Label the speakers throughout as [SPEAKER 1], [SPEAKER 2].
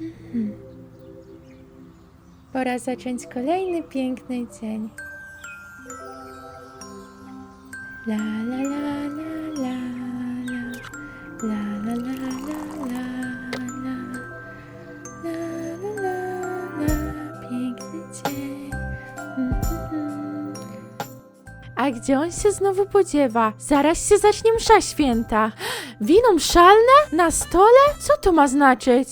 [SPEAKER 1] Pora zacząć kolejny piękny dzień. La la la la la la la la la la la la la la piękny dzień. A gdzie on się znowu podziewa? Zaraz się zacznie msza święta. Wino mszalne? Na stole? Co to ma znaczyć?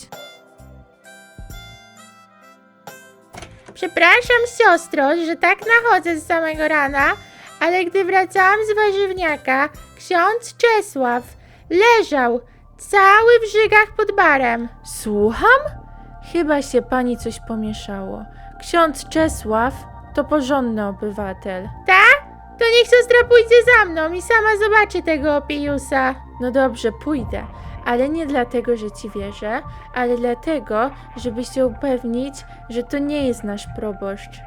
[SPEAKER 1] Przepraszam, siostro, że tak nachodzę z samego rana, ale gdy wracałam z warzywniaka, ksiądz Czesław leżał cały w żygach pod barem. Słucham? Chyba się pani coś pomieszało. Ksiądz Czesław to porządny obywatel. Tak? To niech siostra pójdzie za mną i sama zobaczy tego opijusa. No dobrze, pójdę. Ale nie dlatego, że ci wierzę, ale dlatego, żeby się upewnić, że to nie jest nasz proboszcz.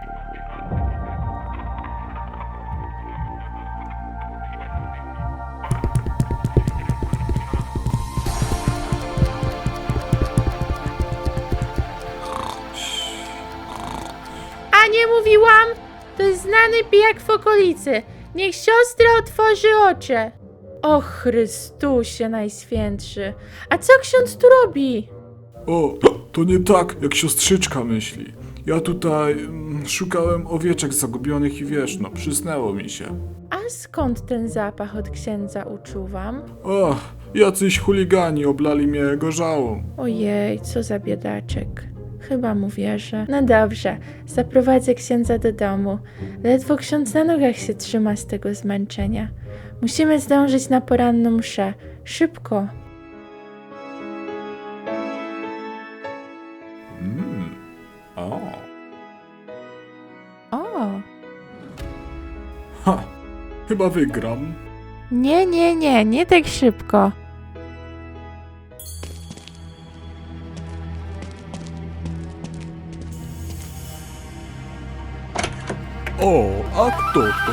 [SPEAKER 1] A nie mówiłam? To jest znany pijak w okolicy. Niech siostra otworzy oczy. O Chrystusie Najświętszy. A co ksiądz tu robi?
[SPEAKER 2] O, to nie tak, jak siostrzyczka myśli. Ja tutaj szukałem owieczek zagubionych i wiesz, no, przysnęło mi się.
[SPEAKER 1] A skąd ten zapach od księdza uczuwam?
[SPEAKER 2] O, jacyś chuligani oblali mnie gorzałą.
[SPEAKER 1] Ojej, co za biedaczek. Chyba mu wierzę. No dobrze, zaprowadzę księdza do domu. Ledwo ksiądz na nogach się trzyma z tego zmęczenia. Musimy zdążyć na poranną mszę. Szybko.
[SPEAKER 2] O.
[SPEAKER 1] O!
[SPEAKER 2] Ha, chyba wygram.
[SPEAKER 1] Nie tak szybko.
[SPEAKER 2] O, a kto to?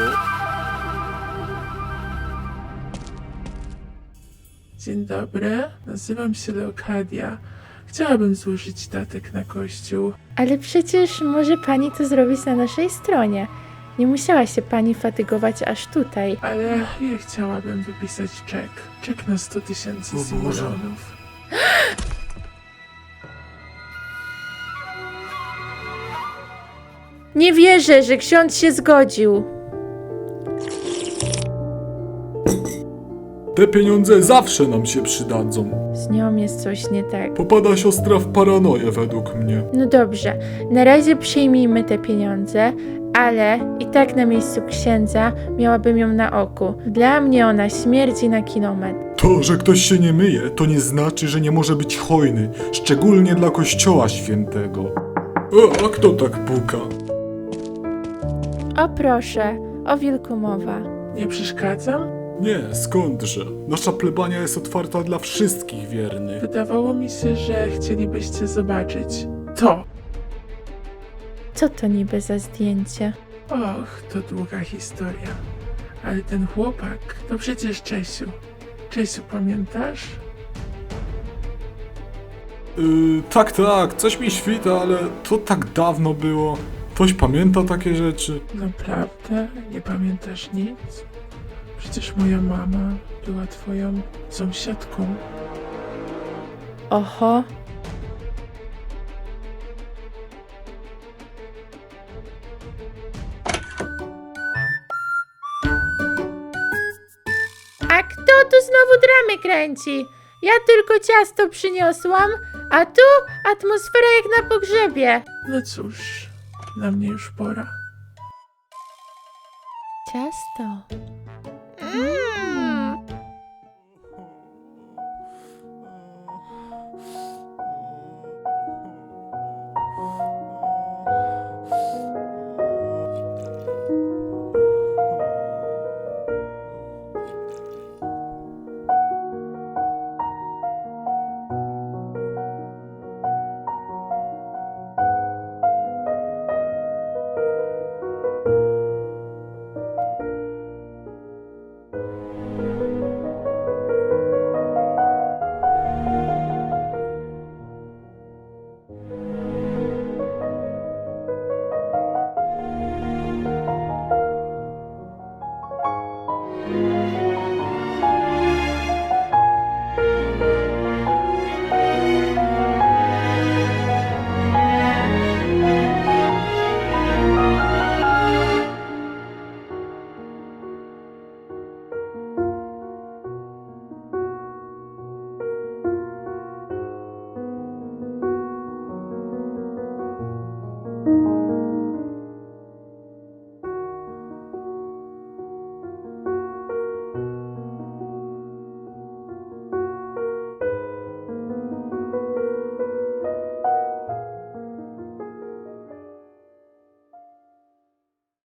[SPEAKER 3] Dzień dobry, nazywam się Leokadia. Chciałabym złożyć datek na kościół.
[SPEAKER 1] Ale przecież może pani to zrobić na naszej stronie. Nie musiała się pani fatygować aż tutaj.
[SPEAKER 3] Ale ja chciałabym wypisać czek. Czek na 100 000
[SPEAKER 2] O Boże.
[SPEAKER 3] simoleonów.
[SPEAKER 1] Nie wierzę, że ksiądz się zgodził.
[SPEAKER 2] Te pieniądze zawsze nam się przydadzą.
[SPEAKER 1] Z nią jest coś nie tak.
[SPEAKER 2] Popada siostra w paranoję według mnie.
[SPEAKER 1] No dobrze, na razie przyjmijmy te pieniądze, ale i tak na miejscu księdza miałabym ją na oku. Dla mnie ona śmierdzi na kilometr.
[SPEAKER 2] To, że ktoś się nie myje, to nie znaczy, że nie może być hojny. Szczególnie dla kościoła świętego. O, a kto tak puka?
[SPEAKER 1] O proszę, o wilku mowa.
[SPEAKER 3] Nie przeszkadzam?
[SPEAKER 2] Nie, skądże? Nasza plebania jest otwarta dla wszystkich wiernych.
[SPEAKER 3] Wydawało mi się, że chcielibyście zobaczyć to.
[SPEAKER 1] Co to niby za zdjęcie?
[SPEAKER 3] Och, to długa historia. Ale ten chłopak to przecież Czesiu. Czesiu, pamiętasz?
[SPEAKER 2] Tak, coś mi świta, ale to tak dawno było. Ktoś pamięta takie rzeczy?
[SPEAKER 3] Naprawdę? Nie pamiętasz nic? Przecież moja mama była twoją sąsiadką.
[SPEAKER 1] Oho. A kto tu znowu dramy kręci? Ja tylko ciasto przyniosłam, a tu atmosfera jak na pogrzebie.
[SPEAKER 3] No cóż, na mnie już pora.
[SPEAKER 1] Ciasto.